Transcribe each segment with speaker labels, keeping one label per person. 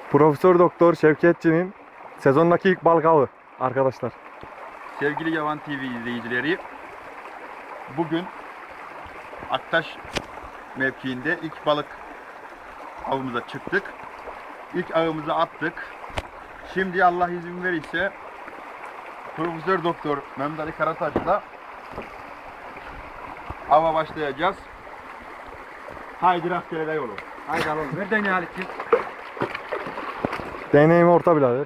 Speaker 1: Profesör Doktor Şevketçi'nin sezondaki ilk balık avı arkadaşlar.
Speaker 2: Sevgili Yavan TV izleyicileri, bugün Aktaş mevkiinde ilk balık avımıza çıktık. İlk avımızı attık. Şimdi Allah izin verirse Profesör Doktor Mehmet Ali Karataş'la ava başlayacağız. Haydi rastgele de yolu.
Speaker 3: Haydi alalım. Ver deneyi Halit'ciğim.
Speaker 1: Deneyimi orta birader.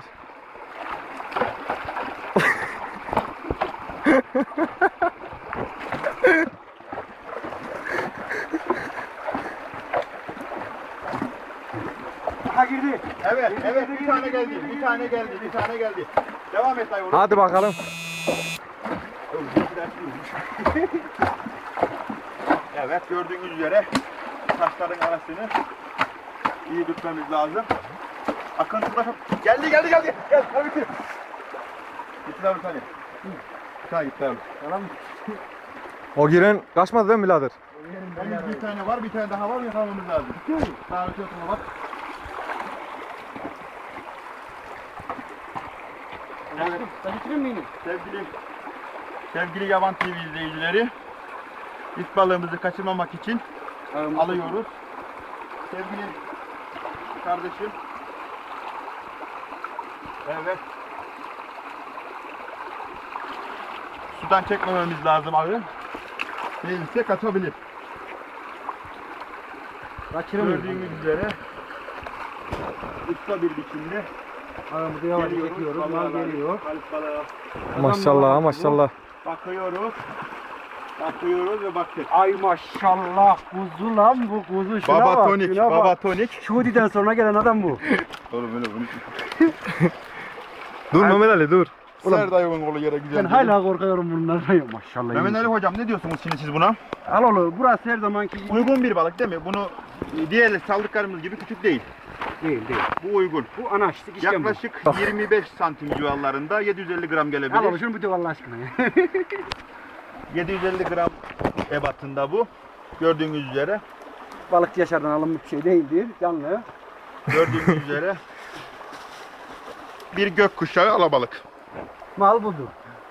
Speaker 3: Aha girdi.
Speaker 2: Evet, bir tane geldi. Devam et dayı oğlum.
Speaker 1: Hadi bakalım.
Speaker 2: Evet, gördüğünüz üzere taşların arasını iyi tutmamız lazım. Akıntı da geldi. Gel tabii ki. Gitti abi tane. Bir tane gitti abi.
Speaker 3: Tamam.
Speaker 1: O giren kaçmadı değil mi birader?
Speaker 2: Henüz bir tane var, bir tane daha var, yakalamamız lazım. Sağ öte oturma bak. Evet.
Speaker 3: Ben bitireyim mi yine?
Speaker 2: Sevgili Yavan TV izleyicileri, ilk balığımızı kaçırmamak için alıyoruz. Sevgili kardeşim. Evet. Sudan çekmememiz lazım abi. Değilse kaçabilir.
Speaker 3: Kaçıramıyorum.
Speaker 2: Gördüğünüz üzere usta bir biçimde
Speaker 3: Ağımızı yavaş çekiyoruz. Mal geliyor.
Speaker 2: Balık balığı.
Speaker 1: Maşallah maşallah.
Speaker 2: Bakıyoruz ve baktık.
Speaker 3: Ay maşallah kuzu lan bu kuzu. Şuna
Speaker 2: Baba
Speaker 3: bak,
Speaker 2: tonik,
Speaker 3: şuna
Speaker 2: baba
Speaker 3: bak.
Speaker 2: tonik.
Speaker 3: Şudi'den sonra gelen adam bu.
Speaker 2: Oğlum öyle bunu.
Speaker 1: Dur Mehmet Ali dur.
Speaker 2: Ser dayımın oğlu yere güzel.
Speaker 3: Ben hala korkuyorum bunlardan. Maşallah.
Speaker 2: Mehmet Ali hocam ne diyorsunuz şimdi siz buna?
Speaker 3: Al oğlum. Burası her zamanki
Speaker 2: Uygun bir balık değil mi? Bunu diğer saldıklarımız gibi küçük değil.
Speaker 3: değil.
Speaker 2: Bu uygun.
Speaker 3: Bu anaçlık işlem bu.
Speaker 2: Yaklaşık 25 santim civarlarında 750 gram
Speaker 3: Al oğlum
Speaker 2: gelebilir.
Speaker 3: şunu bir de Allah aşkına ya.
Speaker 2: 750 gram ebatında bu. Gördüğünüz üzere.
Speaker 3: Balıkçı Yaşar'dan alınmış bir şey değildir. Canlı.
Speaker 2: Gördüğünüz üzere. Bir gökkuşağı alabalık.
Speaker 3: Mal budur.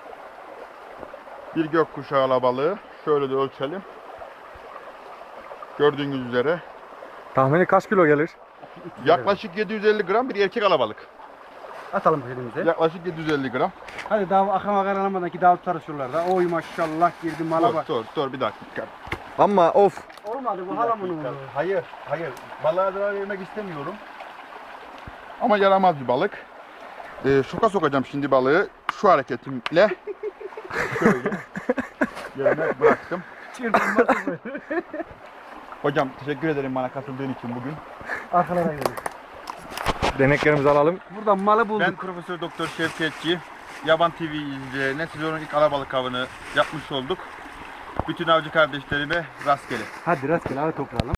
Speaker 2: Bir gökkuşağı alabalığı. Şöyle de ölçelim. Gördüğünüz üzere.
Speaker 1: Tahmini kaç kilo gelir?
Speaker 2: Yaklaşık 750 gram bir erkek alabalık.
Speaker 3: Atalım elimize.
Speaker 2: Yaklaşık 750 gram.
Speaker 3: Hadi daha akama karanamadan ki daha tutarız şuralarda. Oy maşallah girdi mala bak.
Speaker 2: Dur bir dakika.
Speaker 1: Ama of.
Speaker 3: Olmadı bu halamın oğlu.
Speaker 2: Hayır. Balığa zarar vermek istemiyorum. Ama yaramaz bir balık. Şoka sokacağım şimdi balığı. Şu hareketimle. Şöyle. Yerine bıraktım.
Speaker 3: Çırpınması bu.
Speaker 2: Hocam teşekkür ederim bana katıldığın için bugün.
Speaker 3: Arkalara gidelim.
Speaker 1: Deneklerimizi alalım.
Speaker 3: Buradan malı bulduk.
Speaker 2: Ben Profesör Doktor Şevketçi. Yaban TV izleyicilerine sezonun ilk alabalık avını yapmış olduk. Bütün avcı kardeşlerime rastgele.
Speaker 3: Hadi rastgele hadi toplayalım.